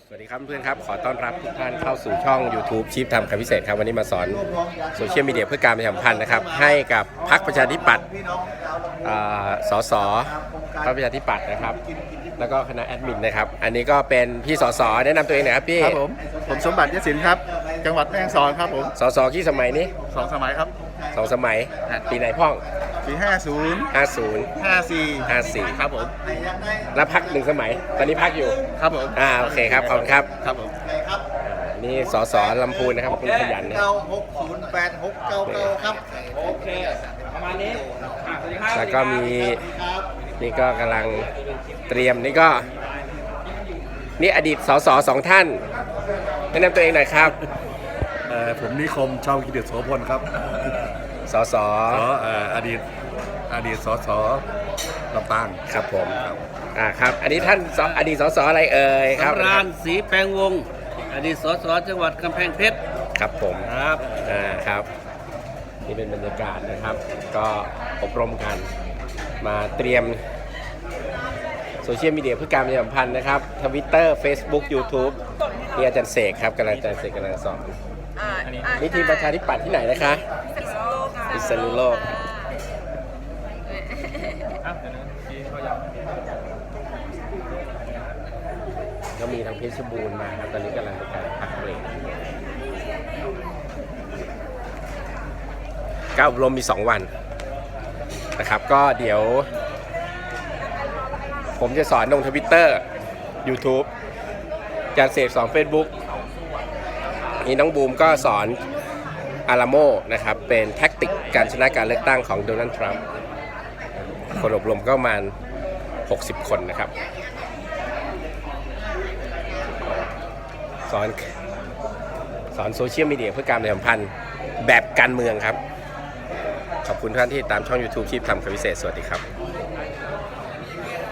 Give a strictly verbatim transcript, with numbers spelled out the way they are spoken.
สวัสดีครับเพื่อนครับขอต้อนรับทุกท่านเข้าสู่ช่อง YouTube ชีพทำคำพิเศษครับวันนี้มาสอนโซเชียลมีเดียเพื่อการประชาสัมพันธ์นะครับให้กับพรรคประชาธิปัตย์สสพรรคประชาธิปัตย์นะครับแล้วก็คณะแอดมินนะครับอันนี้ก็เป็นพี่สสแนะนำตัวเองหน่อยครับพี่ครับผมผมสมบัติยศิลป์ครับจังหวัดแม่ฮ่องสอนครับผมสสกี่สมัยนี้สองสมัยครับสองสมัยปีไหนพ่องปีห้าศูนย์ห้าศูนย์ห้าสี่ห้าสี่ครับผมแล้วพักหนึ่งสมัยตอนนี้พักอยู่ครับผมอ่าโอเคครับขอบคุณครับครับผมนี่สสลำพูนนะครับคุณขยันนะเก้าหกศูนย์แปดหกเก้าเก้าครับโอเคประมาณนี้แล้วก็มีนี่ก็กำลังเตรียมนี่ก็นี่อดีตสสสองท่านแนะนำตัวเองหน่อยครับผมนิคมชาวกิเดชโสพลครับสสอดีตอดีตสสลำปางครับผมอ่าครับอันนี้ท่านอดีตสสอะไรเอ่ยครับสำราญศรีแปลงวงศ์อดีตสสจังหวัดกำแพงเพชรครับผมครับอ่าครับนี่เป็นบรรยากาศนะครับก็อบรมกันมาเตรียมโซเชียลมีเดียเพื่อการประชาสัมพันธ์นะครับ Twitter Facebook YouTube นี่อาจารย์เสกครับกำลังอาจารย์เสกกำลังสอนนี่ทีมประชาธิปัตย์ที่ไหนนะคะพิษณุโลกก็มีทางเพชรบูรณ์มาครับตอนนี้กำลังเป็นการพักเบรกการอบรมมีสองวันนะครับก็เดี๋ยวผมจะสอนลง Twitter YouTube อาจารย์เสกสอน Facebook นี่น้องบูมก็สอนอาราโมนะครับเป็นแท็กติกการชนะการเลือกตั้งของโดนัลด์ทรัมป์คนอบรมก็ประมาณหกสิบคนนะครับสอนสอนโซเชียลมีเดียเพื่อการประชาสัมพันธ์แบบการเมืองครับขอบคุณท่านที่ตามช่อง YouTube ชีพทำคำพิเศษสวัสดีครับ